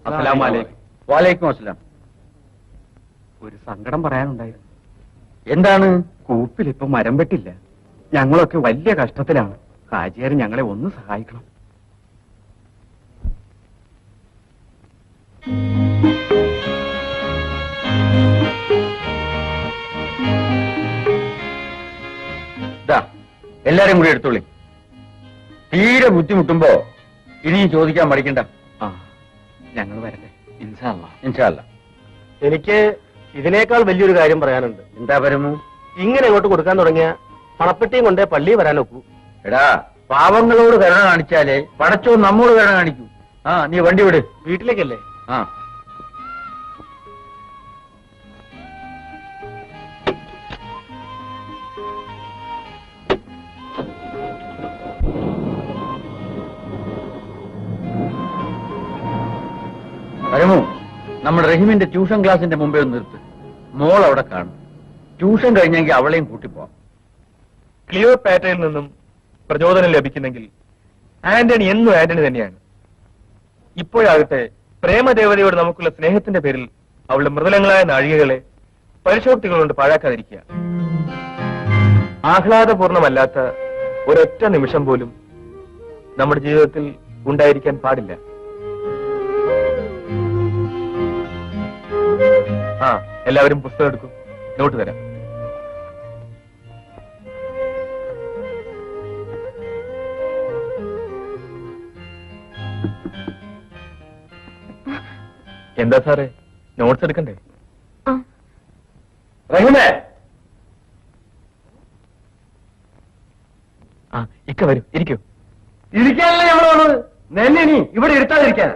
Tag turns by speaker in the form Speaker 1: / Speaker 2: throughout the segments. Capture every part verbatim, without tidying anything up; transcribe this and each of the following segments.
Speaker 1: വാലേക്കും അസ്സലാം.
Speaker 2: ഒരു സങ്കടം പറയാനുണ്ടായിരുന്നു.
Speaker 1: എന്താണ്?
Speaker 2: കൂപ്പിൽ ഇപ്പൊ മരം വെട്ടില്ല. ഞങ്ങളൊക്കെ വലിയ കഷ്ടത്തിലാണ്. ഹാജിയാർ ഞങ്ങളെ ഒന്ന് സഹായിക്കണം.
Speaker 1: എല്ലാരും കൂടി എടുത്തോളി. തീരെ ബുദ്ധിമുട്ടുമ്പോ ഇനിയും ചോദിക്കാൻ മടിക്കണ്ട.
Speaker 2: ആ, ഞങ്ങൾ വരട്ടെ.
Speaker 1: ഇൻഷാ അല്ലാഹ്. ഇൻഷാ അല്ലാഹ്.
Speaker 3: എനിക്ക് ഇതിനേക്കാൾ വലിയൊരു കാര്യം പറയാനുണ്ട്.
Speaker 1: എന്താ പരമു?
Speaker 3: ഇങ്ങനെ ഇങ്ങോട്ട് കൊടുക്കാൻ തുടങ്ങിയ പണപ്പെട്ടിയും കൊണ്ടേ പള്ളി വരാനൊക്കൂ.
Speaker 1: എടാ, പാവങ്ങളോട് കരുണ കാണിച്ചാലേ പടച്ചോ നമ്മോട് കരുണ കാണിക്കൂ. ആ, നീ വണ്ടി വിട്.
Speaker 3: വീട്ടിലേക്കല്ലേ?
Speaker 1: ആ. പരമു, നമ്മുടെ റഹീമിന്റെ ട്യൂഷൻ ക്ലാസിന്റെ മുമ്പേ ഒന്ന് നിർത്ത്. മോൾ അവിടെ കാണും. ട്യൂഷൻ കഴിഞ്ഞെങ്കിൽ അവളെയും കൂട്ടിപ്പോവാം.
Speaker 4: ക്ലിയോ പാറ്റയിൽ നിന്നും പ്രചോദനം ലഭിക്കുന്നെങ്കിൽ ആന്റണി എന്നും ആന്റണി തന്നെയാണ്. ഇപ്പോഴാകട്ടെ പ്രേമദേവതയോട് നമുക്കുള്ള സ്നേഹത്തിന്റെ പേരിൽ അവളുടെ മൃദുലങ്ങളായ നാഴികകളെ പരിശോക്തികൾ കൊണ്ട് പാഴാക്കാതിരിക്കുക. ആഹ്ലാദപൂർണമല്ലാത്ത ഒരൊറ്റ നിമിഷം പോലും നമ്മുടെ ജീവിതത്തിൽ ഉണ്ടായിരിക്കാൻ പാടില്ല. ആ, എല്ലാവരും പുസ്തകം എടുക്കും. നോട്ട് തരാം. എന്താ സാറേ, നോട്ട്സ് എടുക്കണ്ടേ?
Speaker 1: റഹീമേ,
Speaker 4: ആ, ഇക്ക വരും. ഇരിക്കൂ.
Speaker 1: ഇരിക്കാനല്ലേ ഞങ്ങൾ വന്നത്. നെന്നെ നീ ഇവിടെ ഇരുത്താതിരിക്കാൻ.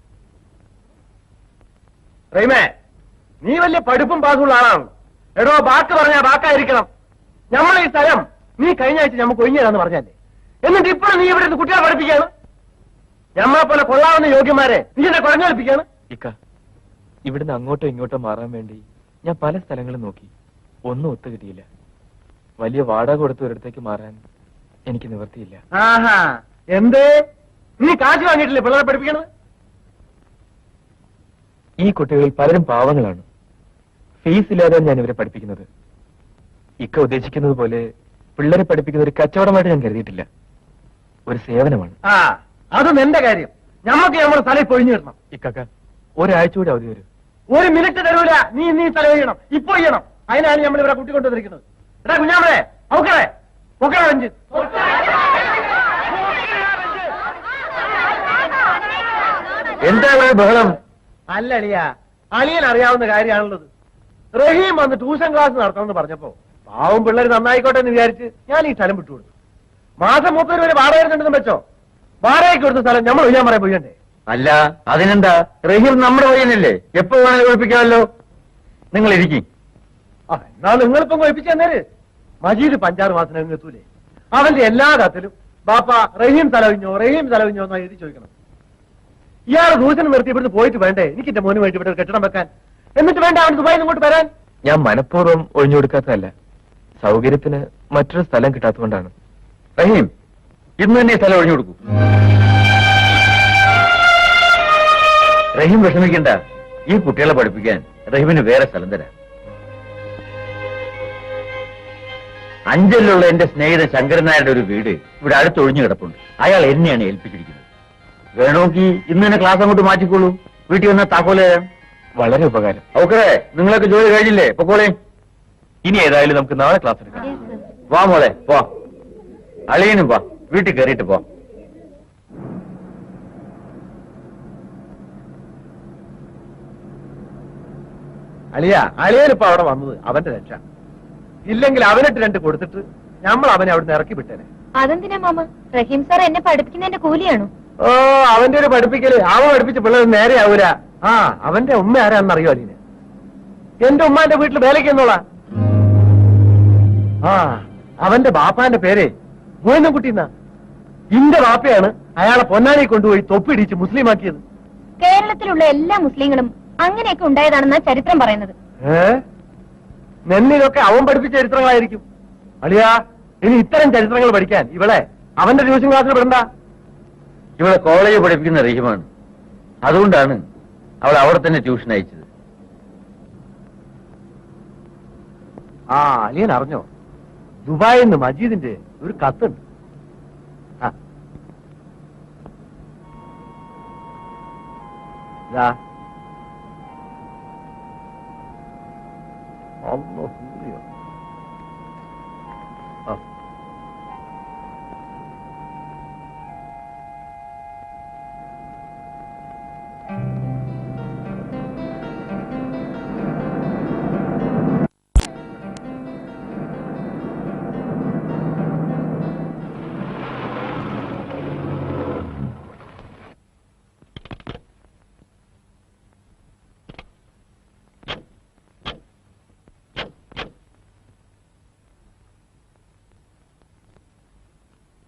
Speaker 1: റഹീമേ, നീ വലിയ പഠിപ്പും പാസുള്ള ആളാണ്. എടോ, ബാക്ക് പറഞ്ഞാ ബാക്കായിരിക്കണം. നമ്മളെ ഈ സ്ഥലം നീ കഴിഞ്ഞ ആഴ്ച നമുക്ക് ഒഴിഞ്ഞതാന്ന് പറഞ്ഞല്ലേ. എന്നിട്ട് ഇപ്പോഴും നീ ഇവിടെ നിന്ന് കുട്ടികളെ പഠിപ്പിക്കാണ്. നമ്മളെ പോലെ കൊള്ളാവുന്ന യോഗ്യന്മാരെ നീ എന്നെ കുഴഞ്ഞൊളിപ്പിക്കാണ്.
Speaker 4: ഇക്ക, ഇവിടുന്ന് അങ്ങോട്ടോ ഇങ്ങോട്ടോ മാറാൻ വേണ്ടി ഞാൻ പല സ്ഥലങ്ങളും നോക്കി. ഒന്നും ഒത്തു കിട്ടിയില്ല. വലിയ വാടക കൊടുത്ത് ഒരിടത്തേക്ക് മാറാൻ എനിക്ക് നിവർത്തിയില്ല.
Speaker 1: ആഹാ, എന്തേ? നീ കാശ് വാങ്ങിയിട്ടില്ലേ പിള്ളേരെ പഠിപ്പിക്കണത്?
Speaker 4: ഈ കുട്ടികളിൽ പലരും പാവങ്ങളാണ്. ഫീസ് ഇല്ലാതെ ഞാൻ ഇവരെ പഠിപ്പിക്കുന്നത്. ഇക്ക ഉദ്ദേശിക്കുന്നത് പോലെ പിള്ളേരെ പഠിപ്പിക്കുന്ന ഒരു കച്ചവടമായിട്ട് ഞാൻ കരുതിയിട്ടില്ല. ഒരു സേവനമാണ്.
Speaker 1: ആ, അത് നിന്റെ കാര്യം. ഞമ്മക്ക് നമ്മുടെ സ്ഥലം പൊഴിഞ്ഞു കിട്ടണം.
Speaker 4: ഇക്കക്ക, ഒരാഴ്ച കൂടി അവധി വരും.
Speaker 1: ഒരു മിനിറ്റ് തരൂല. നീ നീ സ്ഥലം ചെയ്യണം. ഇപ്പൊ ചെയ്യണം. അതിനാണ് നമ്മൾ ഇവിടെ കൂട്ടിക്കൊണ്ടുവന്നിരിക്കുന്നത്. എടാ കുഞ്ഞാമേ, ഔക്കറേ പൊക്കറ വെഞ്ച്. എന്താ ബഹളം? അല്ല അളിയ, അളിയൻ അറിയാവുന്ന കാര്യമാണുള്ളത്. റഹീം വന്ന് ട്യൂഷൻ ക്ലാസ് നടത്തണമെന്ന് പറഞ്ഞപ്പോ പാവം പിള്ളേർ നന്നായിക്കോട്ടെ എന്ന് വിചാരിച്ച് ഞാൻ ഈ സ്ഥലം വിട്ടുകൊടുത്തു. മാസം മുപ്പത് വരെ വാടക വരുന്നുണ്ടെന്ന് വെച്ചോ. വാടകയ്ക്ക് കൊടുത്ത സ്ഥലം നമ്മൾ ഒഴിയാൻ പറയാൻ പോയണ്ടേ? അല്ല, അതിനെന്താ? റഹീം നമ്മുടെ പയ്യനല്ലേ, എപ്പോ വേണമെങ്കിൽ ഒഴിപ്പിക്കാമല്ലോ. നിങ്ങൾ ഇരിക്കും. ആ, എന്നാ നിങ്ങളിപ്പം ഒഴിപ്പിച്ചു തന്നേര്. മജീദ് പഞ്ചാറ് മാസം എത്തൂലേ? അവന്റെ എല്ലാ കത്തിലും ബാപ്പ റഹീം തലവിഞ്ഞോ റഹീം തലവിഞ്ഞോ എന്നാ എഴുതി ചോദിക്കണം. ഇയാൾ ദൂഷണം നിർത്തി ഇവിടുന്ന് പോയിട്ട് വേണ്ടേ എനിക്ക് എന്റെ മോന് വേണ്ടി ഇവിടെ ഒരു കെട്ടിടം വെക്കാൻ? എന്നിട്ട് വേണ്ട അവൻ ദുബായിൽ ഇങ്ങോട്ട് വരാൻ?
Speaker 4: ഞാൻ മനഃപൂർവ്വം ഒഴിഞ്ഞു കൊടുക്കാത്തതല്ല, സൗകര്യത്തിന് മറ്റൊരു സ്ഥലം കിട്ടാത്തതുകൊണ്ടാണ്.
Speaker 1: റഹീം, ഇന്ന് തന്നെ സ്ഥലം ഒഴിഞ്ഞു കൊടുക്കൂ. റഹീം വിഷമിക്കണ്ട. ഈ കുട്ടികളെ പഠിപ്പിക്കാൻ റഹീമിന് വേറെ സ്ഥലം തരാം. അഞ്ചലിലുള്ള എന്റെ സ്നേഹിതൻ ശങ്കരൻ നായരുടെ ഒരു വീട് ഇവിടെ അടുത്തൊഴിഞ്ഞു കിടപ്പുണ്ട്. അയാൾ എന്നെയാണ് ഏൽപ്പിച്ചിരിക്കുന്നത്. വേണമെങ്കിൽ ഇന്ന് തന്നെ ക്ലാസ് അങ്ങോട്ട് മാറ്റിക്കോളൂ. വീട്ടിൽ വന്ന താക്കോല് തരാം.
Speaker 4: വളരെ ഉപകാരം.
Speaker 1: ഓക്കേ, നിങ്ങളൊക്കെ ജോലി കഴിഞ്ഞില്ലേ? പൊക്കോളേ.
Speaker 4: ഇനി ഏതായാലും നമുക്ക് നാളെ ക്ലാസ് എടുക്കാം.
Speaker 1: വാ മോളെ, പോ. അളിയനും വാ, വീട്ടിൽ കയറിയിട്ട് പോ. അളിയ, അളിയനിപ്പോ അവിടെ വന്നത് അവന്റെ രക്ഷ. ഇല്ലെങ്കിൽ അവനിട്ട് രണ്ട് കൊടുത്തിട്ട് നമ്മൾ അവനെ അവിടെ ഇറക്കി വിട്ടേനെ.
Speaker 5: അതെന്തിനാ മാമ? റഹീം സാർ എന്നെ പഠിപ്പിക്കുന്നതിന്റെ കൂലിയാണോ?
Speaker 1: ഓ, അവന്റെ ഒരു പഠിപ്പിക്കല് അവൻ പഠിപ്പിച്ച പിള്ളേർ നേരെ ആവൂല. ആ, അവന്റെ ഉമ്മ ആരാന്നറിയോ അലീനെ? എന്റെ ഉമ്മാന്റെ വീട്ടിൽ വേലയ്ക്ക് എന്നോളാ. ആ, അവന്റെ ബാപ്പാന്റെ പേര് മോയനംകുട്ടി എന്നാ. ഇന്റെ ബാപ്പയാണ് അയാളെ പൊന്നാനി കൊണ്ടുപോയി തൊപ്പിടിച്ച് മുസ്ലിമാക്കിയത്.
Speaker 5: കേരളത്തിലുള്ള എല്ലാ മുസ്ലിങ്ങളും അങ്ങനെയൊക്കെ ഉണ്ടായതാണെന്നാ ചരിത്രം പറയുന്നത്.
Speaker 1: ഏ, നെന്നിനൊക്കെ അവൻ പഠിപ്പിച്ച ചരിത്രങ്ങളായിരിക്കും. അളിയാ, ഇനി ഇത്തരം ചരിത്രങ്ങൾ പഠിക്കാൻ ഇവളെ അവന്റെ ട്യൂഷൻ ക്ലാസ്സിൽ വിടണ്ട. ഇവളെ കോളേജ് പഠിപ്പിക്കുന്ന റഹീമാണ്. അതുകൊണ്ടാണ്
Speaker 6: അവൾ അവിടെ തന്നെ ട്യൂഷൻ അയച്ചത്.
Speaker 1: ആ അലിയൻ അറിഞ്ഞോ, ദുബായിൽ നിന്ന് മജീദിന്റെ ഒരു കത്തുണ്ട്. ആ ഇതാ അല്ലാഹ്. ആ